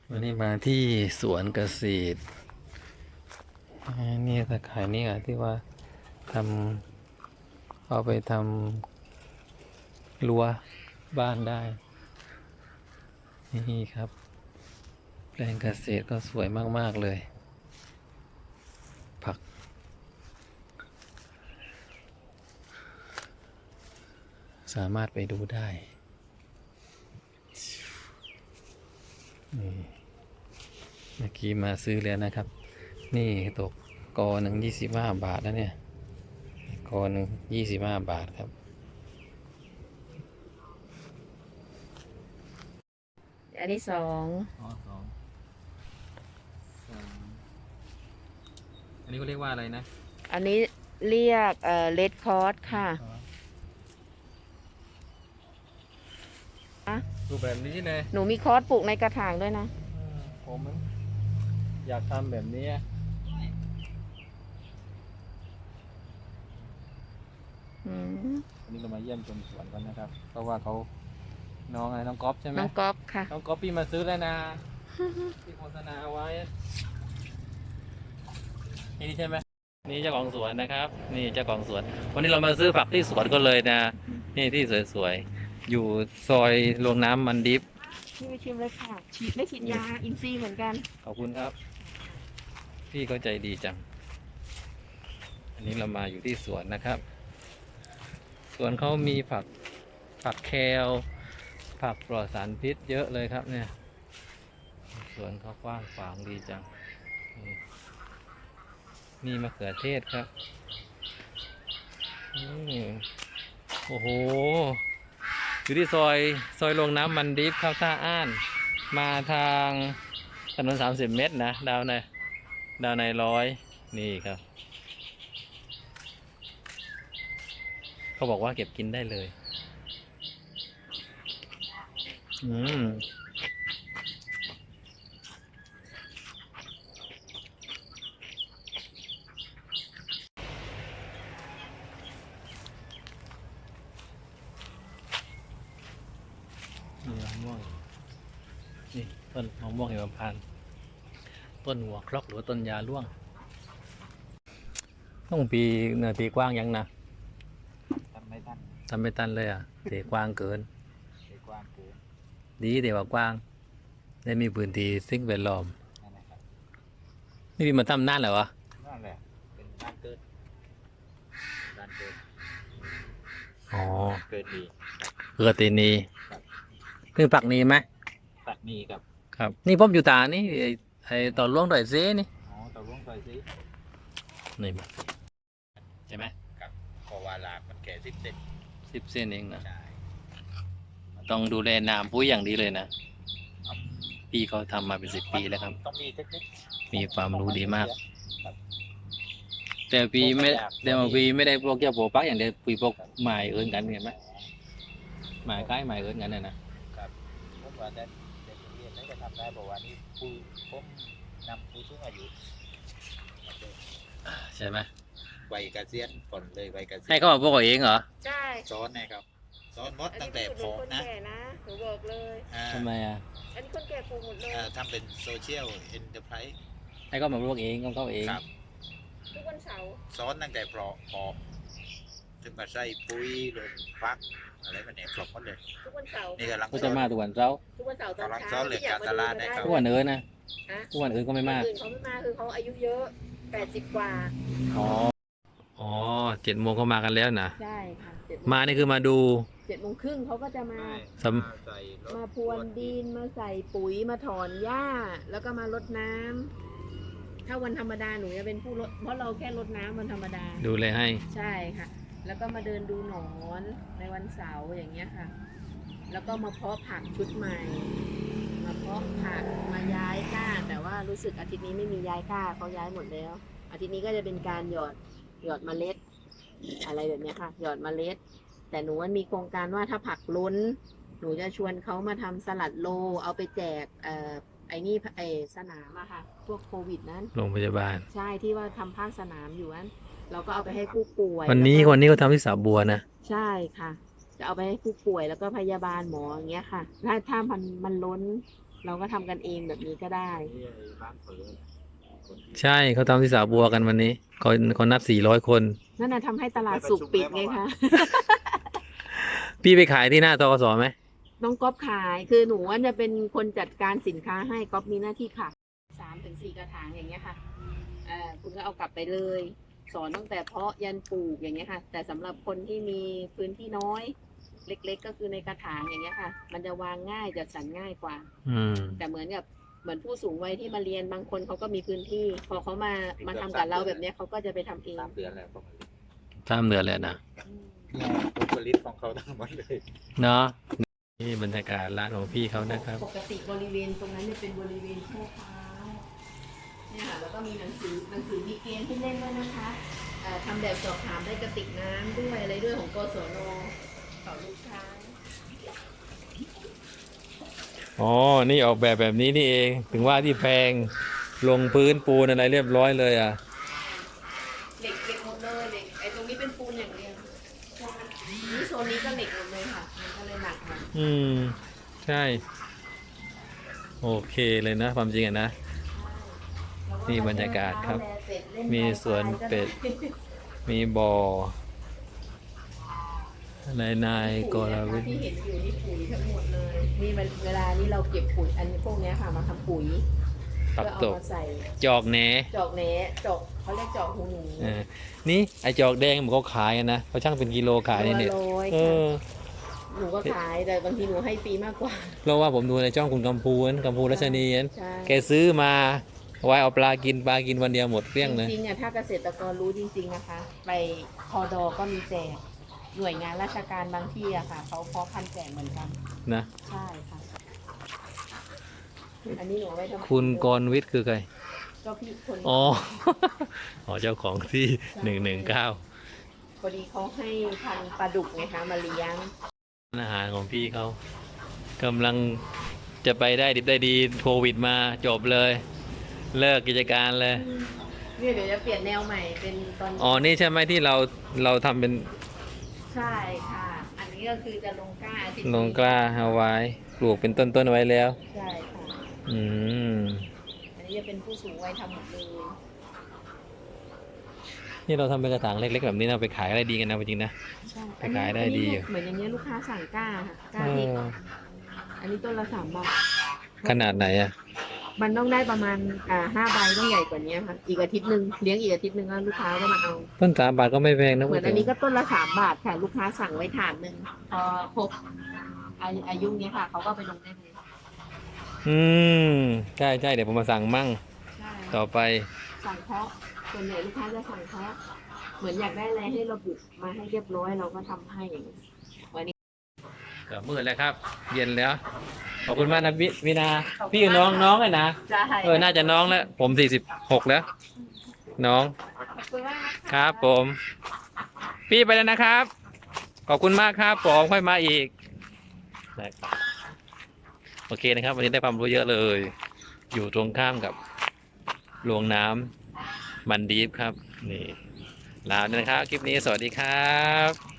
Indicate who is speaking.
Speaker 1: วันนี้มาที่สวนเกษตรนี่ตะข่ายนี่ที่ว่าทำเอาไปทำรั้วบ้านได้นี่ครับแปลงเกษตรก็สวยมากๆเลยผักสามารถไปดูได้นี่เมื่อกี้มาซื้อแล้วนะครับนี่ตกกอหนึ่ง25 บาทนะเนี่ยกอหนึ่ง25 บาทครับ
Speaker 2: อันที่สอง
Speaker 1: อันนี้เขาเรียกว่าอะไรนะ
Speaker 2: อันนี้เรียกเลดคอร์สค่ะ
Speaker 1: รูปแบบนี้เลย
Speaker 2: หนูมีคอร์สปลูกในกระถางด้วยนะ
Speaker 1: ผมอยากทำแบบนี้วันนี้เรามาเยี่ยมชมสวนกันนะครับ เพราะว่าเขาน้องอะไรน้องก๊อฟใช่ไหม
Speaker 2: น้องก๊อฟค่ะ
Speaker 1: น้องก๊อฟพี่มาซื้อแล้วนะที่โฆษณาเอาไว้นี่ใช่ไหมนี่เจ้าของสวนนะครับ นี่เจ้าของสวน วันนี้เรามาซื้อผักที่สวนก็เลยนะ นี่ที่สวยๆอยู่ซอยโรงน้ำมันดิฟ
Speaker 2: พี่ไปชิมเลยค่ะไม่ฉีดยาอินทรีย์เหมือนกัน
Speaker 1: ขอบคุณครับ พี่ก็ใจดีจัง อันนี้เรามาอยู่ที่สวนนะครับ สวนเขามีผักแคลผักปลอดสารพิษเยอะเลยครับเนี่ยสวนเขากว้างขวางดีจังนี่มะเขือเทศครับโอ้โหอยู่ที่ซอยโรงน้ำมันดิฟเข้าท่าอ้าน มาทางถนน30 เมตรนะดาวใน100นี่ครับเขาบอกว่าเก็บกินได้เลยนี่มะม่วงนี่ต้นมะม่วงหิมพานต์ต้นหัวครกหรือว่าต้นยาล่วงต้องปีเนื้อตีกว้างยังนะทำไม่ตันเลยอ่ะตีกว้างเกินดีแต่ว่ากว้างได้มีพื้นที่สิ่งแวดล้อมนี่พี่มาทำนานแล้ววะนั่นแหละเป็นบ้านเกิดอ๋อเกิดดีเกิดตีนีคือปักนีไหมปักนีครับนี่ผมอยู่ตานี่ไอต่อล่วงต่อยเซนี่อ๋อต่อล่วงต่อยเซนี่ใช่ไหมครับกวาลามันแก่10 เซนเองนะต้องดูแลน้ำปุ้ยอย่างดีเลยนะพี่เขาทำมาเป็น10 ปีแล้วครับต้องมีเทคนิคมีความรู้ดีมากแต่พี่ไม่ได้พวกเกี่ยวกับปักอย่างเดียวพี่พวกหมายเอิญกันเห็นไหมหมายใกล้หมายเอิญกันเลยนะครับผมว่าได้เรียนได้จะทำได้บอกว่านี่ผมนำผู้สูงอายุใช่ไหมวัยเกษียณก่อนเลยวัยเกษียณให้เขามาบอกเองเหรอ
Speaker 2: ใช่
Speaker 1: สอนนะครับสอนมดตั้งแต่พอนะ
Speaker 2: หนูบอกเลย
Speaker 1: ทำไมอ่ะ
Speaker 2: อันนี้คนแก่ปลูกหมดเลย
Speaker 1: ทำเป็นโซเชียลเอ็นเตอร์ไพรส์ให้เขามาบอกเองเขาเองครับ
Speaker 2: ทุกวันเสาร์
Speaker 1: สอนตั้งแต่พอถึงมาใส่ปุ๋ยลงฟักอะไรมันเนี่ยปลอกหมดเลย
Speaker 2: ทุกวันเสาร์
Speaker 1: นี่กำลังจะมาทุกวันเสาร์
Speaker 2: ตอน
Speaker 1: เช้าเหลือการตลาดได้ครับทุก
Speaker 2: วั
Speaker 1: นอื่นนะทุกวันอื่นก็ไม่มา
Speaker 2: เขาไม่มาคือเขาอายุเยอะ80 กว่า
Speaker 1: อ๋อ7 โมงเขามากันแล้วนะ
Speaker 2: ใช่ค่ะ
Speaker 1: มานี่คือมาดู
Speaker 2: 7:30เขาก็จะมาพรวนดินมาใส่ปุ๋ยมาถอนหญ้าแล้วก็มารดน้ำถ้าวันธรรมดาหนูจะเป็นผู้รดเพราะเราแค่รดน้ำวันธรรมดา
Speaker 1: ดูเลยให้
Speaker 2: ใช่ค่ะแล้วก็มาเดินดูหนอนในวันเสาร์อย่างเงี้ยค่ะแล้วก็มาเพาะผักชุดใหม่มาเพาะผักมาย้ายก้าแต่ว่ารู้สึกอาทิตย์นี้ไม่มีย้ายก้าเขาย้ายหมดแล้วอาทิตย์นี้ก็จะเป็นการหยอดเมล็ดอะไรแบบนี้ค่ะหยอดเมล็ดแต่หนูมีโครงการว่าถ้าผักล้นหนูจะชวนเขามาทำสลัดโลเอาไปแจกไอ้นี่สนามอะค่ะพวกโควิดนั้น
Speaker 1: โรงพยาบาล
Speaker 2: ใช่ที่ว่าทำภาคสนามอยู่นั้นเราก็เอาไปให้ผู้ป่วย
Speaker 1: วันนี้เขาทำที่สาบัวนะ
Speaker 2: ใช่ค่ะจะเอาไปให้ผู้ป่วยแล้วก็พยาบาลหมออย่างเงี้ยค่ะถ้ามันล้นเราก็ทำกันเองแบบนี้ก็ได้
Speaker 1: ใช่เขาทำที่สาบัวกันวันนี้คนนับ400 คน
Speaker 2: นั่นน่ะทำให้ตลาดสุกปิดไงคะ
Speaker 1: พี่ไปขายที่หน้าตกสไหม
Speaker 2: น้องก๊อฟขายคือหนูว่าจะเป็นคนจัดการสินค้าให้ก๊อฟมีหน้าที่ขาย3 ถึง 4กระถางอย่างเงี้ยค่ะคุณก็เอากลับไปเลย สอนตั้งแต่เพาะยันปลูกอย่างเงี้ยค่ะ แต่สำหรับคนที่มีพื้นที่น้อยเล็กๆก็คือในกระถางอย่างเงี้ยค่ะ มันจะวางง่ายจัดสรรง่ายกว่า แต่เหมือนผู้สูงวัยที่มาเรียนบางคนเขาก็มีพื้นที่ พอเขามาทำกับเราแบบเนี้ยเขาก็จะไปทำเอง
Speaker 3: 3 เดือนแล้วประมาณนี้
Speaker 1: 3 เดือนเลยนะ
Speaker 3: ผลผลิตของเขาทั้งหมดเลย
Speaker 1: เนาะนี่บรรยากาศร้านของพี่เขานะครับ
Speaker 2: ปกติบริเวณตรงนั้นเนี่ยเป็นบริเวณแช่เท้าเนี่ยค่ะแล้วก็มีหนังสือมีเกมที่เล่นด้วยนะคะทำแบบสอบถามได้กระติกน้ำด้วยอะไรด้วยของกศนสอนลูกค้า
Speaker 1: อ๋อ นี่ออกแบบนี้นี่เอง ถึงว่าที่แพงลงพื้นปูนอะไรเรียบร้อยเลยอ่ะ
Speaker 2: เหล็กหมดเลยเหล็กไอ้ตรงนี้เป็นปูนอย่างเดียวนี่โซนนี้ก็เหล็กหมดเลยค่ะมันก็เลยหนักหน่อย
Speaker 1: ใช่ โอเคเลยนะ ความจริงอ่ะนะ นี่บรรยากาศครับ มีสวนเป็ด มีบ่อนายกรวิทย์
Speaker 2: ที่เห็นอยู่นี่ปุ๋ยทั้งหมดเลย นี่มันเวลานี้เราเก็บปุ๋ยอันพวกเนี้ยค่ะมาทำปุ๋ย
Speaker 1: ปัก
Speaker 2: เพื่อ
Speaker 1: ต
Speaker 2: เอา
Speaker 1: ก
Speaker 2: มาใส่
Speaker 1: จอกแหน
Speaker 2: จอกเนะจอกเขาเรียกจอกหูหนู
Speaker 1: นี่ไอจอกแดงมันเขาขายอะนะเขาช่างเป็นกิโลขายในเน็ต
Speaker 2: ตัวละร้อย
Speaker 1: เอ
Speaker 2: ค่ะ
Speaker 1: อ
Speaker 2: หนูก็ขายแต่บางทีหนูให้ฟรีมากกว่า
Speaker 1: เพราะว่าผมดูในช่องคุณกัมพูรัชนีน
Speaker 2: ใช่
Speaker 1: แกซื้อมาไว้เอาปลากินวันเดียวหมดเกลี้ยงเลย
Speaker 2: จริงๆอ่ะถ้าเกษตรกรรู้จริงๆนะคะ ไปพอดอก็มีแจกหน่วยงานราชการบางที่อะค่ะเขาเพาะพันธุ์แจกเหมือนกัน
Speaker 1: นะ
Speaker 2: ใช่ค่ะ อันนี้หนูเอาไว้ทำ
Speaker 1: คุณกรวิทย์คือใคร
Speaker 2: ก็พี่คน
Speaker 1: อ๋อ อ๋อเจ้าของที่119
Speaker 2: พอดีเขาให้พันธุ์ปลาดุกไงคะมาเลี้ยง
Speaker 1: อาหารของพี่เขากำลังจะไปได้ดิบได้ดีโควิดมาจบเลย เลิกกิจการเลย
Speaker 2: เนี่ยเดี๋ยวจะเปลี่ยนแนวใหม่เป็นตอน
Speaker 1: อ๋อ นี่ใช่ไหมที่เราทำเป็น
Speaker 2: ใช่ค่ะ อันนี้ก็คือจะลงกล้าอาทิตย์
Speaker 1: ลงกล้าเอาไว้ปลูกเป็นต้นๆไว้แล้ว
Speaker 2: ใช่ค่ะ
Speaker 1: อืม
Speaker 2: อันนี้จะเป็นผู้สูงวัยทำหมดเลย
Speaker 1: นี่เราทำเป็นกระถางเล็กๆแบบนี้เราไปขายอะไรดีกันนะจริงๆนะ
Speaker 2: ใช่
Speaker 1: ไปขายได้ดีอยู่
Speaker 2: เหมือนอย่างเงี้ยลูกค้าสั่งกล้าค่ะกล้า
Speaker 1: เอ
Speaker 2: ที่
Speaker 1: อ
Speaker 2: อันนี้ต้นละ3 บาท
Speaker 1: ขนาดไหนอ่ะ
Speaker 2: มันต้องได้ประมาณ5 ใบต้องใหญ่กว่านี้ค่ะ อีกอาทิตย์หนึ่งเลี้ยงอีกอาทิตย์หนึ่งแล้วลูกค้าก็มาเอา
Speaker 1: ต้น3 บาทก็ไม่แพงนะ
Speaker 2: เหมือนอันนี้ก็ต้นละ3 บาทค่ะ ลูกค้าสั่งไว้ถาดหนึ่งพอครบอายุเนี้ยค่ะเขาก็ไปลงได้เลย
Speaker 1: อืมใช่เดี๋ยวผมมาสั่งมั่ง
Speaker 2: ใช่
Speaker 1: ต่อไป
Speaker 2: สั่งเพาะส่วนใหญ่ลูกค้าจะสั่งเพาะเหมือนอยากได้อะไรให้ระบุมาให้เรียบร้อยเราก็ทำให้อย่างนี้วันนี้
Speaker 1: ก็มืดแล้วครับ เย็นแล้ว ขอบคุณมากนะวินา พี่กับน้องเลยนะ
Speaker 2: ใช่
Speaker 1: น่าจะน้องแล้ว ผม46แล้ว น้อง
Speaker 2: ขอบคุณมากนะคะ
Speaker 1: ครับผม พี่ไปแล้วนะครับ ขอบคุณมากครับผมค่อยมาอีกนะครับโอเคนะครับ วันนี้ได้ความรู้เยอะเลย อยู่ตรงข้ามกับโรงน้ำมันดีฟครับ นี่ลาด้วยนะครับ คลิปนี้สวัสดีครับ